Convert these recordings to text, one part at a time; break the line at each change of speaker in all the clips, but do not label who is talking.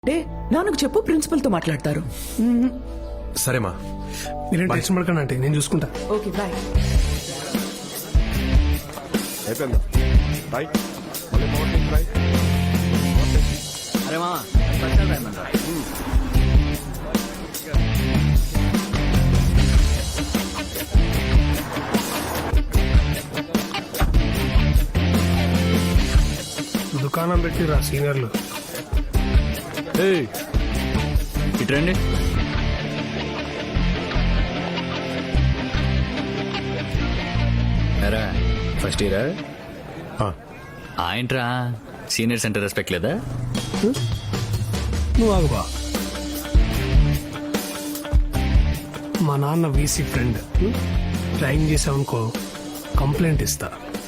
Day నాన్నకు చెప్పు principal తో మాట్లాడతారు.
సరేమా,
మీరేం టెన్షన్ పడకండి అంటే నేను చూసుకుంటా.
Okay bye.
అయిపోయిందా? బాయ్. మళ్ళీ మార్నింగ్ ట్రై.
అరే మామ స్పెషల్ రాయమంటారా?
దుకాణం పెట్టిరా సీనియర్లు.
ఇట్రండి. ఎరా ఫస్ట్ ఇయరా? ఏంట్రా సీనియర్స్ అంటే రెస్పెక్ట్ లేదా?
నువ్వు ఆగుబా. మా నాన్న వీసీ ఫ్రెండ్. డ్రాయింగ్ చేసావనుకో కంప్లైంట్ ఇస్తా.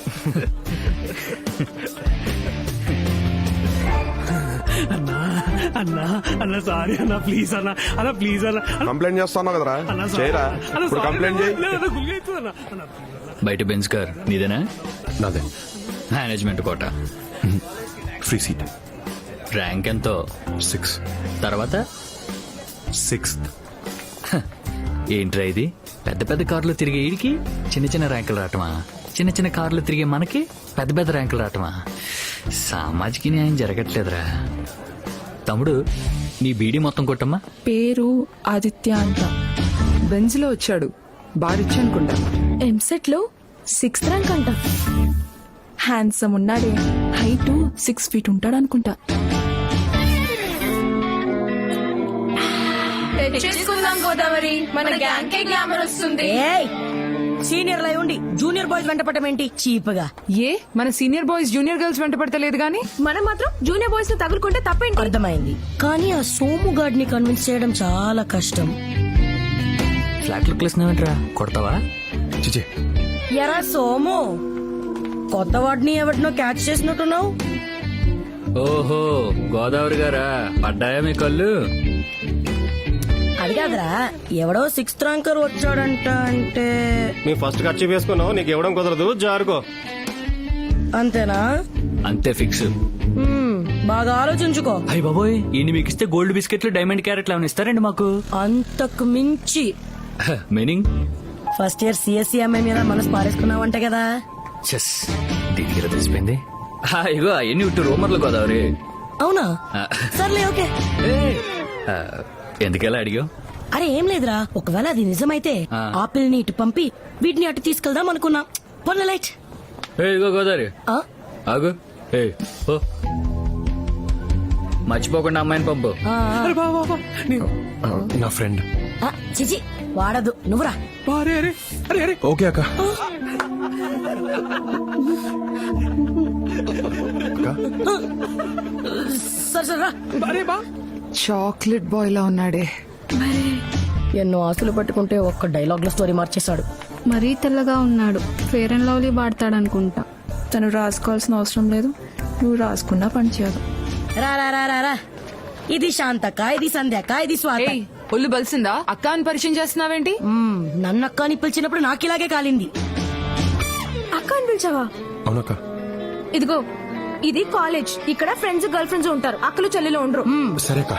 అన్నా అన్నా అన్న సారీ అన్న, ప్లీజ్ అన్న, అన్న ప్లీజ్ అన్న.
కంప్లైంట్ చేస్తాను కదరా,
అన్న
చేయరా? ఇప్పుడు కంప్లైంట్ చేయి.
బయట బెంచ్ కార్ నీదేనా?
నాదే.
Management quota.
Free seat.
Rank ఎంతో?
6.
తర్వాత
6th.
ఏంట్రా ఇది? పెద్ద పెద్ద కార్లు తిరిగే ఈడికి చిన్న చిన్న ర్యాంకులు రావటమా? చిన్న చిన్న కార్లు తిరిగే మనకి పెద్ద పెద్ద ర్యాంకులు రావటమా? సామాజిక న్యాయం జరగట్లేదురా. తమ్ముడు నీ బీడీ మొత్తం కొట్టమ్మా.
పేరు ఆదిత్య అంట. బెంజ్ లో వచ్చాడు. బారిచ్చు అనుకుంటా.
ఎంసెట్ లో 6th ర్యాంక్ అంట. హ్యాండ్సమ్ ఉన్నాడే. హైట్ 6 feet ఉంటాడు అనుకుంటా.
తెచ్చేసుకుందాం గోదావరి, మన గ్యాంగ్ కే గ్లామర్ వస్తుంది.
సీనియర్ లై ఉండి జూనియర్ బాయ్స్ వెంట పట్టమేంటి చీప్గా?
ఏ మన సీనియర్ బాయ్స్ జూనియర్ గర్ల్స్ వెంట పడతలేదు గానీ
మనం మాత్రం జూనియర్ బాయ్స్ ని తగులుకుంటే తప్పేంటి?
అర్థమైంది, కానీ ఆ సోము గాడ్ ని కన్విన్స్ చేయడం చాలా కష్టం.
ఫ్లాట్ లుక్ లేసినావేంట్రా? కొడతావా?
చిచే.
ఎరా సోము, కొత్త వాడిని ఎవరినో క్యాచ్ చేసినట్టున్నావు.
ఓహో గోదావరి గారా, పడ్డాయా మీ కళ్ళు?
అది కాదురా, ఎవడో 6th ర్యాంకర్ వచ్చాడంట. అంటే
మేము ఫస్ట్ ఖర్చు వేసుకున్నావు, నీకు ఇవ్వడం కుదరదు, జారుకో.
అంతేనా?
అంతే ఫిక్స్.
బాగా ఆలోచించుకో.
అయ్య బాబోయ్, ఈయన మీకు ఇస్తే గోల్డ్ బిస్కెట్లు డైమండ్ క్యారెట్లు ఏమైనా ఇస్తారండి మాకు?
అంతకు మించి
మీనింగ్?
ఫస్ట్ ఇయర్ సిఎస్సి అమ్మాయి మీద మనసు పారేసుకున్నావంట కదా.
చెస్ దీనికి తెలిసిపోయింది. ఇగో అవన్నీ ఇటు రూమర్లు గోదావరి.
అవునా? సర్లే ఓకే.
ఎందుకెలా అడిగావు?
అరే ఏం లేదురా, ఒకవేళ అది నిజమైతే ఆపిల్ని ఇటు పంపి వీటిని అటు తీసుకెళ్దాం అనుకున్నా. పొన్న లైట్.
ఇగో గోదావరి ఆగు. ఓ మర్చిపోకుండా అమ్మాయిని పంపు.
నా ఫ్రెండ్.
చిచి వాడదు, నువ్వురా.
ఓకే అక్క.
సరే సరే రా.
చాక్లెట్ బాయ్ లా ఉన్నాడే.
ఎన్నో ఆస్తులు పట్టుకుంటే ఒక్క డైలాగ్ లో స్టోరీ మార్చేశాడు.
మరీ తెల్లగా ఉన్నాడు. ఫేర్ అండ్ లవ్లీ వాడతాడనుకుంటా. తను రాసుకోవాల్సిన అవసరం లేదు, నువ్వు రాసుకున్నా పనిచేయదు.
రా రా రా రా రా. ఇది శాంతక్క, ఇది సంధ్యక్క, ఇది స్వాత.
ఒళ్ళు బలిసిందా? అక్క అని పరిచయం చేస్తున్నావేంటి?
నన్ను అక్క అని పిలిచినప్పుడు నాకు ఇలాగే కాలింది.
అక్క అని పిలిచావా?
అవునక్క.
ఇదిగో ఇది కాలేజ్. ఇక్కడ ఫ్రెండ్స్ గర్ల్ ఫ్రెండ్స్ ఉంటారు, అక్కలు చెల్లెలు ఉండరు.
సరే అక్క.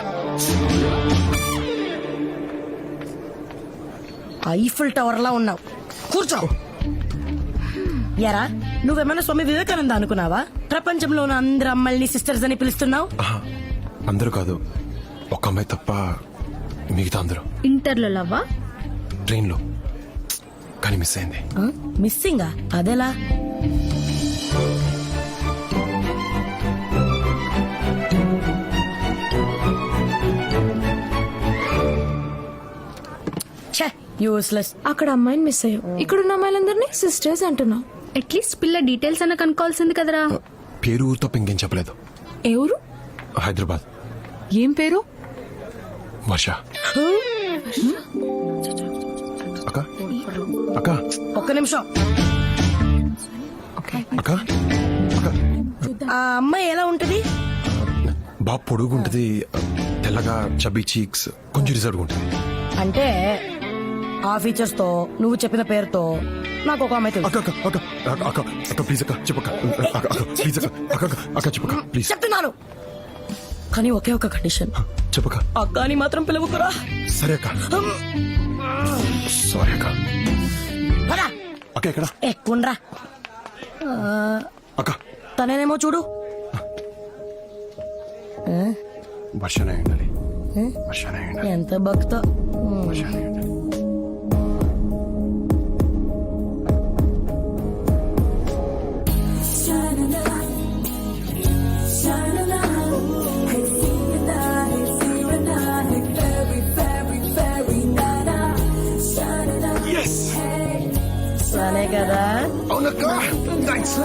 ఐఫిల్ టవర్ లా ఉన్నావు, కూర్చో. ఎరా నువ్వేమైనా స్వామి వివేకానంద అనుకున్నావా? ప్రపంచంలో ఉన్న అందరు అమ్మాయిని సిస్టర్స్ అని పిలుస్తున్నావు.
అందరూ కాదు, ఒక అమ్మాయి తప్ప మిగతా అందరూ.
ఇంటర్లో లవ్వా?
ట్రైన్ లో, కానీ మిస్ అయింది.
మిస్సింగా? అదెలా? యూస్లెస్.
అక్కడ అమ్మాయిని మిస్ అయ్యావు, ఇక్కడున్న అమ్మాయిలందరినీ సిస్టర్స్ అంటున్నావు. అట్లీస్ట్ పిల్ల డీటెయిల్స్ అన్న కనుక్కోవాల్సింది కదరా.
పేరు ఊరు తప్ప ఇంకేం చెప్పలేదు.
ఎవరు?
హైదరాబాద్.
ఏం పేరు?
వర్ష. అక్క అక్క
ఒక్క నిమిషం.
అక్క అక్క.
ఆ అమ్మాయి ఎలా ఉంటది?
బాగా పొడుగుంటది, తెల్లగా, చబ్బీ చీక్స్, కొంచెం రిజర్వ్ ఉంటుంది.
అంటే ఆ ఫీచర్స్ తో నువ్వు చెప్పిన పేరుతో నాకు ఒక అమ్మాయి తెలుసు.
అక్క అక్క అక్క అక్క అక్క ప్లీజ్ అక్క చెప్పక్క. అక్క అక్క ప్లీజ్ అక్క. అక్క అక్క అక్క చెప్పక్క ప్లీజ్.
చెప్తున్నాను. కానీ ఒకే ఒక కండిషన్,
చెప్పక.
అక్క అని మాత్రం పిలవకురా.
సరే అక్క. సారీ అక్క.
పదా
అక్క ఎక్కడ?
ఎక్కుండ్రా.
అక్క
తనేనేమో చూడు.
వర్షనే ఉండాలి. వర్షనే ఉండాలి.
ఎంత భక్త.
వర్షనే ఉండాలి.
సరే కదా.
అవునక్క. థ్యాంక్స్.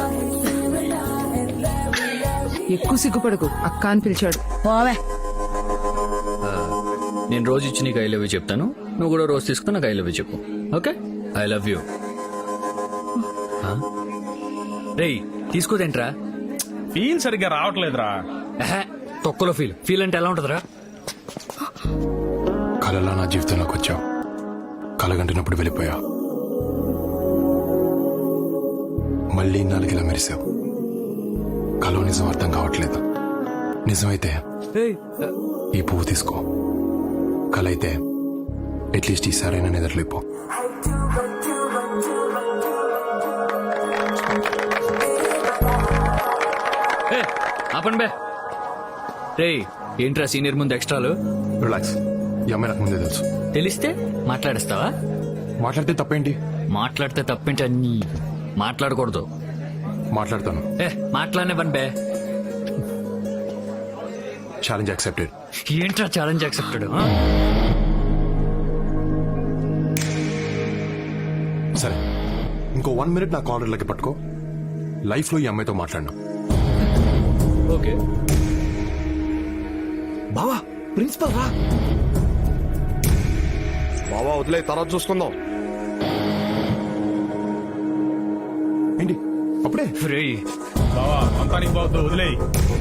ఎక్కువ సిగ్గుపడకు, అక్క అని పిలిచాడు.
పోవే.
నేను రోజు ఇచ్చి నీకు ఐ లవ్ యూ చెప్తాను, నువ్వు కూడా రోజు తీసుకుని నాకు ఐ లవ్ యూ చెప్పు. ఓకే? I love you. రేయ్ తీసుకోదేంట్రా?
ఫీల్ సరిగ్గా రావట్లేదురా.
తొక్కలో ఫీల్ ఫీల్ అంటే ఎలా ఉంటుందిరా?
కలలా నా జీవితంలోకి వచ్చావు, కలగంటినప్పుడు వెళ్ళిపోయావు, మళ్ళీ నాలుగిలా మెరిసావు. కలో నిజం అర్థం కావట్లేదు. నిజమైతే ఈ పువ్వు తీసుకో, కల అయితే అట్లీస్ట్ ఈసారైనా నిద్రలేపో.
ఆపండి బే. రేయ్ ఏంట్రా సీనియర్ ముందు ఎక్స్ట్రాలు?
రిలాక్స్, ఈ అమ్మాయి నాకు ముందే తెలుసు.
తెలిస్తే మాట్లాడేస్తావా?
మాట్లాడితే తప్పేంటి?
మాట్లాడితే తప్పేంటి? అన్ని మాట్లాడకూడదు.
మాట్లాడతాను.
మాట్లాడనివ్వండి బే.
Challenge accepted.
ఏంట్రా ఛాలెంజ్ యాక్సెప్టెడ్?
సరే, ఇంకో 1 minute నా కాలర్లకి పట్టుకో. లైఫ్ లో ఈ అమ్మాయితో మాట్లాడినా.
ఓకే
బావా, ప్రిన్సిపల్ రా. బావా వదిలే, తర్వాత చూసుకుందాం. ఏంటి అప్పుడే?
రేయ్
బావా అంతా నీకు బావద్దు, వదిలేయ్.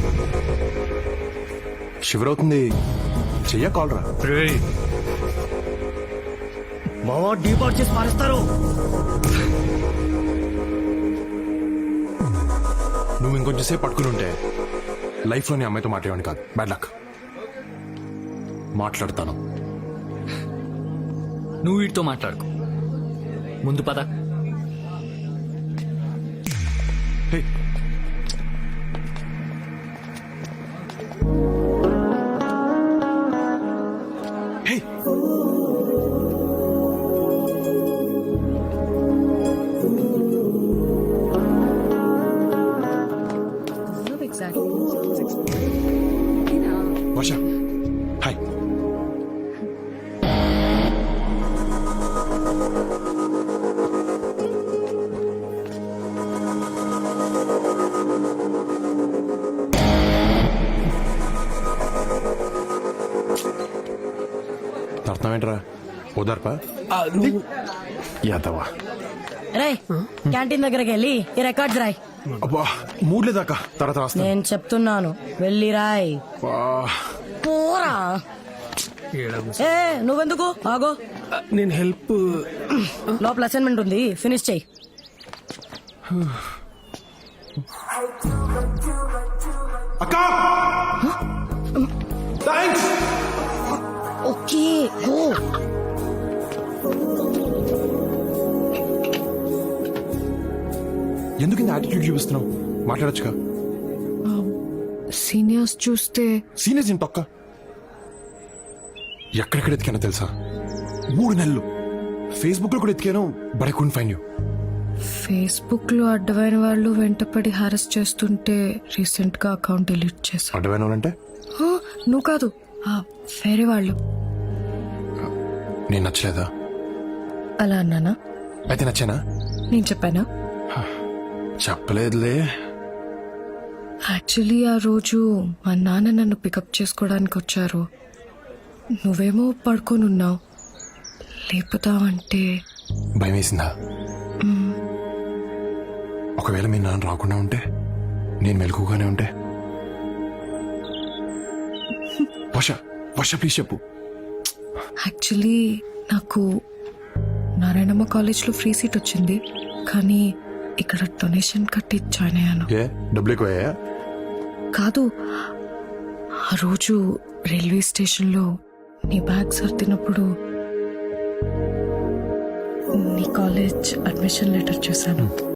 షివర్ అవుతుంది, చెయ్య కాల్ రా.
రేయ్
మావా డీపాట్ చేసి పారేస్తారు.
నువ్వు ఇంకొంచెం సేపు పట్టుకుని ఉంటే లైఫ్ లోని అమ్మాయితో మాట్లాడేవాడిని కాదు. Bad luck. మాట్లాడతాను.
నువ్వు వీటితో మాట్లాడుకో, ముందు పద.
Hey, hey. వర్ష, హాయ్. అర్థం ఏంట్రా? ఓదార్పా యాదవా.
రే క్యాంటీన్ దగ్గరికి వెళ్ళి ఈ రికార్డ్స్ రాయ్.
అబ్బా మూడ్ లేదాకా, తర్వాత రాస్తా.
నేను చెప్తున్నాను, వెళ్ళి రాయ్. పోరా. ఏ నువ్వెందుకు ఆగో,
నేను హెల్ప్.
లోపల అసైన్మెంట్ ఉంది, ఫినిష్ చెయ్యి.
అక్కా, థాంక్స్.
Okay go.
ఎందుకు ఇంత యాటిట్యూడ్ చూపిస్తున్నావు? మాట్లాడొచ్చుగా.
సీనియర్స్ చూస్తే
సీనియర్స్ ఏంటి తొక్క? ఎక్కడెక్కడ ఎతికానో తెలుసా? 3 నెలలు ఫేస్బుక్ లో కూడా ఎతికాను, but I couldn't find you.
Facebook లో అడ్డమైన వాళ్ళు వెంటపడి హారెస్ చేస్తుంటే రీసెంట్ గా అకౌంట్ డిలీట్ చేశా.
అడ్డమైన వాళ్ళంటే?
నువ్వు కాదు, వేరే వాళ్ళు.
నేను నచ్చలేదా?
అలా అన్నానా?
అయితే నచ్చానా?
నేను చెప్పానా?
చెప్పలేదులే.
యాక్చువల్లీ ఆ రోజు మా నాన్న నన్ను పికప్ చేసుకోవడానికి వచ్చారు. నువ్వేమో పడుకొని ఉన్నావు. లేపుతావంటే
భయం వేసిందా? ఒకవేళ మీ నాన్న రాకుండా ఉంటే, నేను మెలకుగానే ఉంటే? వర్ష, వర్ష ప్లీజ్ చెప్పు.
యాక్చువల్లీ నాకు నారాయణమ్మ కాలేజ్లో ఫ్రీ సీట్ వచ్చింది, కానీ ఇక్కడ డొనేషన్ కట్టి జాయిన్ అయ్యాను.
ఏ డబ్బులు ఎక్కువయ్యా?
కాదు,
ఆ రోజు రైల్వే స్టేషన్లో నీ బ్యాగ్ సర్దినప్పుడు నీ కాలేజ్ అడ్మిషన్ లెటర్ చూశాను.